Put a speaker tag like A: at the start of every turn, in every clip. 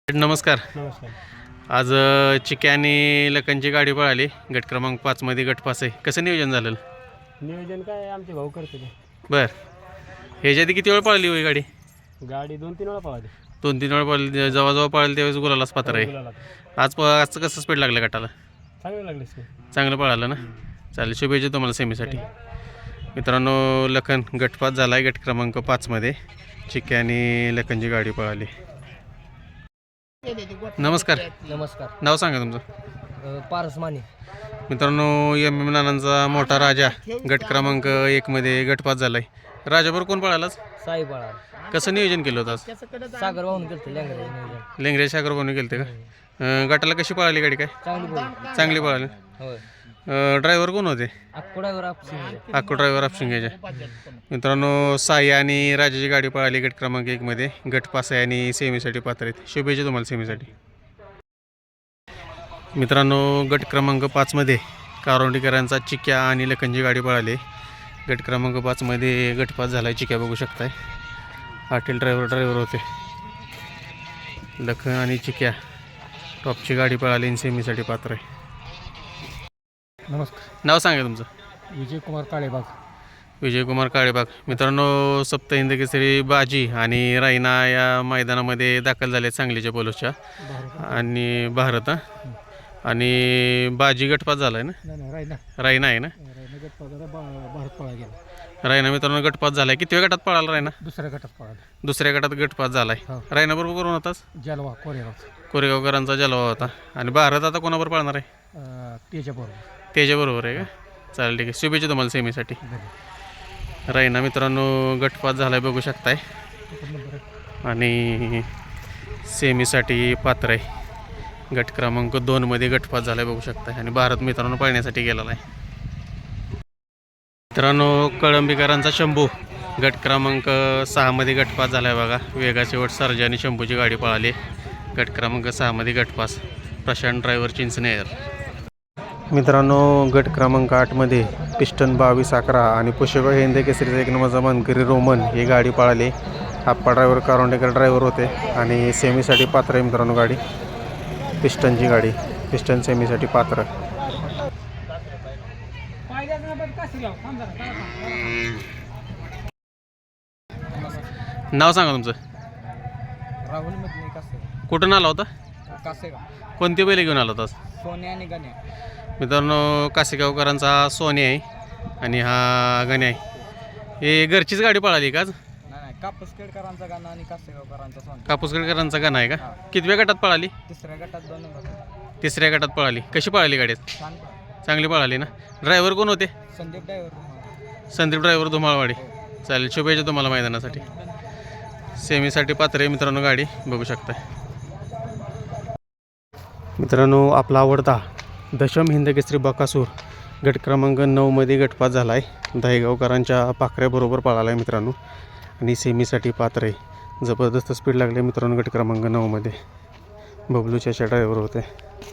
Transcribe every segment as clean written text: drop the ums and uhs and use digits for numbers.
A: नमस्कार.
B: नमस्कार.
A: आज चिक्या आणि लखनची गाडी पळाली. गट क्रमांक 5 मध्ये गट पास आहे. कसं नियोजन झालं?
B: नियोजन काय आमचे भाऊ करते ते.
A: बर, ह्याच्या आधी किती वेळ पळाली होई गाडी?
B: गाडी 2-3 वेळा पळाली.
A: 2-3 वेळ पळाली. जेव्हा पळाली त्यावेळेस गुलालाच पात्र आहे.
B: गुलाला.
A: आजचं कसं स्पीड लागलं गटाला?
B: चांगलं लागले ते.
A: चांगलं पळालं ना. चालेल, शुभेच्छा तुम्हाला सेमीसाठी. मित्रांनो, लखन गट पास झाला आहे. गट क्रमांक 5 मध्ये चिक्या आणि लखनची गाडी पळाली. नमस्कार.
B: नमस्कार.
A: नाव सांगा तुमचं.
B: पारस माने.
A: मित्रांनो, एम एम नानांचा मोठा राजा गट क्रमांक 1 मध्ये गट पास झालाय. राजाबरोबर कोण पळालाच?
B: साई पळाला.
A: कसं नियोजन केलं होतं आज?
B: सागर वाहून गेलते लेंगरे.
A: लेंगरे सागर बनवून गेलते का? गटाला कशी पळाली गाडी? काय चांगली पळाली.
B: होय.
A: ड्रायव्हर कोण होते?
B: अक्को
A: ड्रायव्हर आपशिंगेच्या. मित्रांनो, साई आणि राजाची गाडी पळाली गट क्रमांक 1 मध्ये. गट पास आहे आणि सेमीसाठी पात्र आहेत. शुभेच्छा तुम्हाला सेमीसाठी. मित्रांनो, गट क्रमांक 5 मध्ये कारवंडीकरांचा चिक्या आणि लखनची गाडी पळाली. गट क्रमांक 5 मध्ये गट पास झाला आहे. चिक्या बघू शकताय. पाटील ड्रायव्हर होते. लखन आणि चिक्या टॉपची गाडी पळाली आणि सेमीसाठी पात्र आहे.
B: नमस्कार.
A: नाव सांगा तुमचं.
B: विजयकुमार काळेबाग.
A: विजयकुमार काळेबाग. मित्रांनो, सप्तहिंद केसरी बाजी आणि रायना या मैदानामध्ये दाखल झाले सांगलीच्या पोलोसच्या. आणि भारत आणि बाजी गटपास झाला आहे ना. रायना आहे ना. रायना मित्रांनो गटपास झाला आहे. किती वेळ गटात पळाला रायना? दुसऱ्या गटात गटपास झाला आहे. रायना बरोबर कोण होताच?
B: जलवा
A: कोरेगावकरांचा जलवा होता. आणि भारत आता कोणाबरोबर पळणार आहे? त्याच्याबरोबर आहे का? चालेल, ठीक आहे. शुभेच्छा तुम्हाला सेमीसाठी. रायना मित्रांनो गटपास झाला आहे बघू शकताय आणि सेमीसाठी पात्र आहे. गट क्रमांक 2 मध्ये गटपास झाला आहे बघू शकताय. आणि भारत मित्रांनो पळण्यासाठी गेलेला आहे. मित्रांनो, कळंबीकरांचा शंभू गट क्रमांक 6 मध्ये गटपास झाला आहे बघा. वेगाचे वट सर्जा आणि शंभूची गाडी पळाली. गट क्रमांक 6 मध्ये गटपास. प्रशांत ड्रायव्हर चिंचनेर. मित्रांनो, गट क्रमांक 8 मध्ये पिस्टन 22-11 आणि पुष्यबा हिंद केसरीचा 1 नंबरचा मानकरी रोमन ही गाडी पळाली. आप्पा ड्रायव्हर कारवंडेकर ड्रायव्हर होते आणि सेमीसाठी पात्र आहे मित्रांनो गाडी. पिस्टनची गाडी. पिस्टन सेमीसाठी पात्र. नाव सांगा तुमचं.
B: राहुल.
A: कुठून आला होता? कोणती बैल घेऊन आला होता?
B: सोन्या आणि गण्या.
A: मित्रांनो, कासेगावकरांचा सोन्या आहे आणि हा गण्या आहे. हे घरचीच गाडी पळाली का आज?
B: नाही, कापूसखेडकरांचा गाणं आणि कासेगावकरांचा सोन्या.
A: कापूसखेडकरांचा गणा आहे का? कितव्या गटात पळाली?
B: तिसऱ्या गटात 2 नंबर.
A: तिसऱ्या गटात पळाली. कशी पळाली गाडी? चांगली पळाली ना. ड्रायव्हर कोण होते? संदीप ड्रायव्हर धुमाळवाडी. चालेल, शुभेच्छा तुम्हाला मैदानासाठी. सेमीसाठी पात्र आहे मित्रांनो गाडी बघू शकता. मित्रांनो, आपला आवडता दशम हिंद केसरी बकासूर गट क्रमांक 9 मध्ये गटपास झाला आहे. दहेगावकरांच्या पाखऱ्याबरोबर पळाला आहे मित्रांनो आणि सेमीसाठी पात्र आहे. जबरदस्त स्पीड लागले मित्रांनो गट क्रमांक 9 मध्ये. बबलूच्या ड्रायव्हर होते.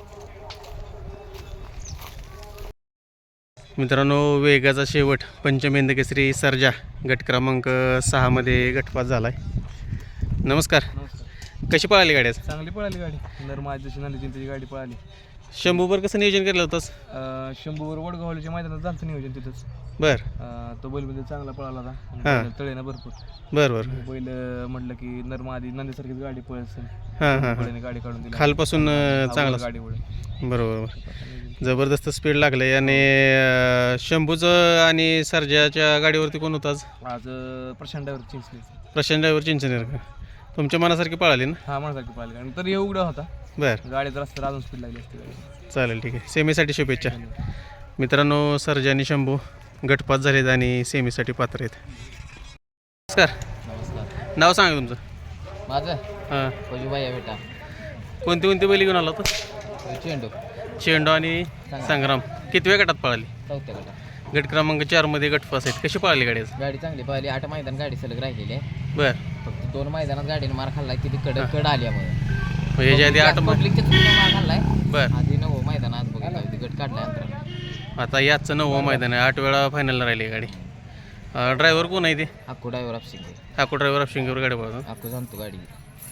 A: मित्रांनो, वेगाचा शेवट पंचम हिंद केसरी सर्जा गट क्रमांक 6 मध्ये गटपास झाला आहे. नमस्कार. कशी पळाली गाडी?
B: चांगली पळाली गाडी. नरमाजची नंदीची गाडी पळाली.
A: शंभूवर कसं नियोजन केलं होतंस?
B: शंभूवर वडगावच्या मैदानात झालं नियोजन तिथंच.
A: बरं.
B: तो बैल चांगला पळाला होता. तळेना भरपूर.
A: बरं.
B: बैल म्हटलं की नरमादी नंदीसारखीच गाडी पळेल. गाडी काढून दिली
A: खालपासून चांगला
B: गाडी पळेल.
A: बरोबर. जबरदस्त स्पीड लागले. आणि शंभूचं आणि सर्जाच्या गाडीवरती कोण होतं आज?
B: प्रशांत
A: ड्रायव्हर चिंचनेर का? तुमच्या मनासारखी पळाली ना?
B: हा, मनासारखी पळाली. तर उघडा होता.
A: बरं.
B: गाडीचा रस्ता अजून स्पीड लागली असते.
A: चालेल, ठीक आहे. सेमीसाठी शुभेच्छा. मित्रांनो, सर्जा आणि शंभू गटपास झालेत आणि सेमीसाठी पात्र आहेत. नमस्कार. नाव सांगा तुमचं.
B: माझं
A: हां. कोणती बैल घेऊन आला होता? चेंडू आणि संग्राम. किती वेळ गटात पळाली?
B: 4थ्या गटात.
A: गट क्रमांक 4 मध्ये गटपास आहेत. कशी पळाली गाडी?
B: गाडी चांगली पळाली. 8 मैदान गाडी सलग राहिलेली आहे.
A: बरं.
B: फक्त 2 मैदानात गाडीने मार खाल्लाय. किती कड आल्यामुळे
A: ह्याच्या आधी 8
B: पब्लिकच्या मार खाल्लाय.
A: बरं.
B: आधी 9 मैदानात बघितलं गट काढलाय अंतर.
A: आता याचं 9वं मैदान आहे. 8 वेळा फायनलला राहिली गाडी. ड्रायव्हर कोण आहे ते?
B: अक्को ड्रायव्हर आपशिंगे.
A: ड्रायव्हर आपशिंगेवर गाडी पळतो.
B: अक्को जाणतो गाडी.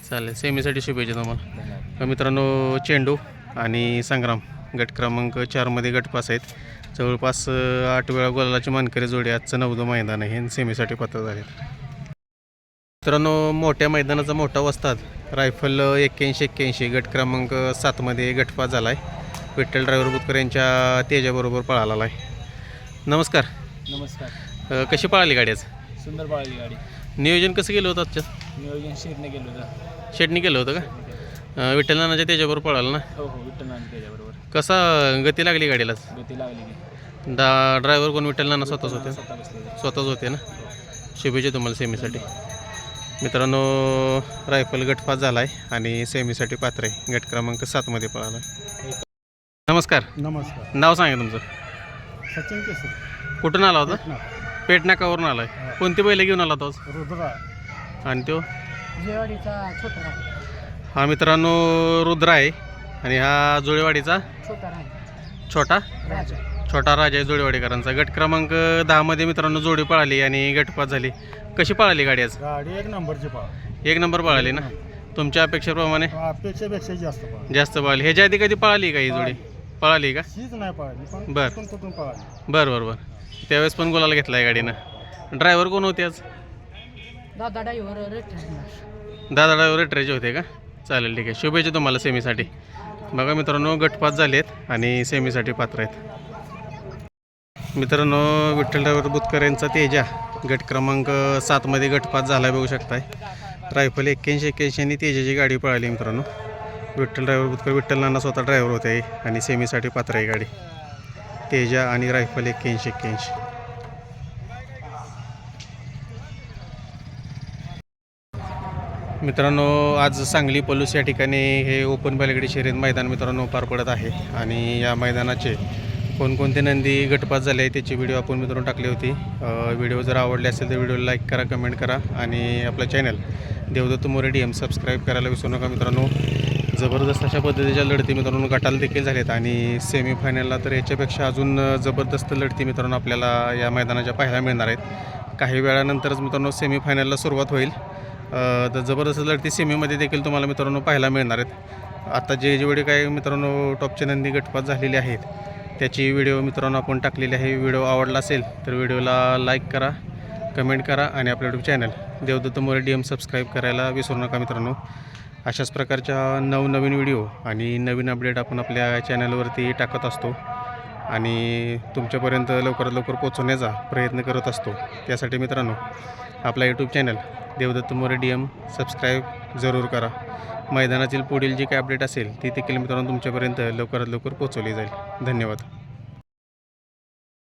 A: चालेल. सेमीसाठी शुभेच्छा तुम्हाला.
B: धन्यवाद.
A: मित्रांनो चेंडू आणि संग्राम गट क्रमांक 4मध्ये गटपास आहेत. जवळपास 8 वेळा गोलाची मानकरी जोडी. आजचं 9वं मैदान आहे आणि सेमीसाठी पात्र झाले. मित्रांनो मोठ्या मैदानाचा मोठा वस्ताद रायफल 81-81 गट क्रमांक 7मध्ये गटपास झाला आहे. विठ्ठल ड्रायव्हर बुतकर यांच्या तेजाबरोबर पळाला आहे. नमस्कार.
B: नमस्कार.
A: कशी पळाली गाडी आज?
B: सुंदर पळाली गाडी.
A: नियोजन कसं केलं होतं आजच्या?
B: नियोजन शेडने गेलो होतं.
A: शेडनी केलं होतं का? विठ्ठल नानाच्या तेजाबरोबर पळाला ना?
B: हो हो, विठ्ठल नाना त्याच्याबरोबर.
A: कसा गती लागली गाडीला?
B: गती लागली की
A: ड्रायव्हर कोण? विठ्ठल नाना स्वतःच होते?
B: स्वतः बसले.
A: स्वतःच होते ना. शुभेच्छा तुम्हाला सेमीसाठी. मित्रांनो रायफल गटपास झाला आहे आणि सेमीसाठी पात्र आहे. गट क्रमांक 7मध्ये पळाला. नमस्कार.
C: नमस्कार.
A: नाव सांगा तुमचं.
C: सचिन केसरी.
A: कुठून आला होता? पेट नाकावरून आला आहे. कोणती बैल घेऊन आला होता?
C: रुद्रा.
A: आणि तो
C: जेवाडीचा छोटा
A: हा मित्रांनो रुद्र आहे आणि हा जुळेवाडीचा
C: छोटा राजा.
A: छोटा राजा आहे जुळेवाडीकरांचा. गट क्रमांक 10मध्ये मित्रांनो जोडी पळाली आणि गटपास झाली. कशी पळाली गाडी आज?
C: गाडी 1 नंबरची पळा.
A: 1 नंबर पळाली ना. तुमच्या अपेक्षेप्रमाणे
C: अपेक्षेपेक्षा जास्त पळा.
A: जास्त पळाली. ह्याच्या आधी कधी पळाली का ही जोडी? पळाली का?
C: हीच नाही पळाली पण
A: बर.
C: कुठून पळाली.
A: बरं. त्यावेळेस पण गुलाला घेतला आहे गाडीनं. ड्रायव्हर कोण होते आज?
C: दादा ड्रायव्हर
A: दादा ड्रायव्हर रेटरेचे होते का? चालेल, ठीक आहे. शुभेच्छा तुम्हाला सेमीसाठी. बघा मित्रांनो गटपास झाले आहेत आणि सेमीसाठी पात्र आहेत. मित्रांनो विठ्ठल ड्रायव्हर बुतकर यांचा तेजा गट क्रमांक 7मध्ये गटपास झाला बघू शकताय. रायफल 81-81 आणि तेजाची गाडी पळाली मित्रांनो. विठ्ठल ड्रायव्हर बुतकर विठ्ठल नाना स्वतः ड्रायव्हर होते आणि सेमीसाठी पात्र आहे गाडी. तेजा आणि रायफल 81-81. मित्रांनो आज सांगली पलूस या ठिकाणी हे ओपन बैलगाडी शर्यत मैदान मित्रांनो पार पडत आहे आणि या मैदानाचे कोणकोणते नंदी गटपास झाले आहे त्याची व्हिडिओ आपण मित्रांनो टाकली होती. व्हिडिओ जर आवडले असेल तर व्हिडिओला लाईक करा, कमेंट करा आणि आपलं channel Devdatta More DM subscribe करायला विसरू नका मित्रांनो. जबरदस्त अशा पद्धतीच्या लढती मित्रांनो गटाला देखील झाल्यात आणि सेमीफायनलला तर याच्यापेक्षा अजून जबरदस्त लढती मित्रांनो आपल्याला या मैदानाच्या पाहायला मिळणार आहेत. काही वेळानंतरच मित्रांनो सेमीफायनलला सुरुवात होईल. तर जबरदस्त लढती सेमीमध्ये देखील तुम्हाला मित्रांनो पाहायला मिळणार आहेत. आता जेवढे काही मित्रांनो टॉपचे नंदी गटपास झालेले आहेत त्याची व्हिडिओ मित्रांनो आपण टाकलेली आहे. व्हिडिओ आवडला असेल तर व्हिडिओला लाईक करा, कमेंट करा आणि आपल्या YouTube channel Devdatta More DM subscribe करायला विसरू नका मित्रांनो. अशाच प्रकारच्या नवनवीन व्हिडिओ आणि नवीन अपडेट आपण आपल्या चॅनलवरती टाकत असतो आणि तुमच्यापर्यंत लवकरात लवकर पोहोचवण्याचा प्रयत्न करत असतो. त्यासाठी मित्रांनो आपला YouTube channel Devdatta More DM subscribe जरूर करा. मैदानातील पुढील जी काही अपडेट असेल ती देखील मित्रांनो तुमच्यापर्यंत लवकरात लवकर पोहोचवली जाईल. धन्यवाद.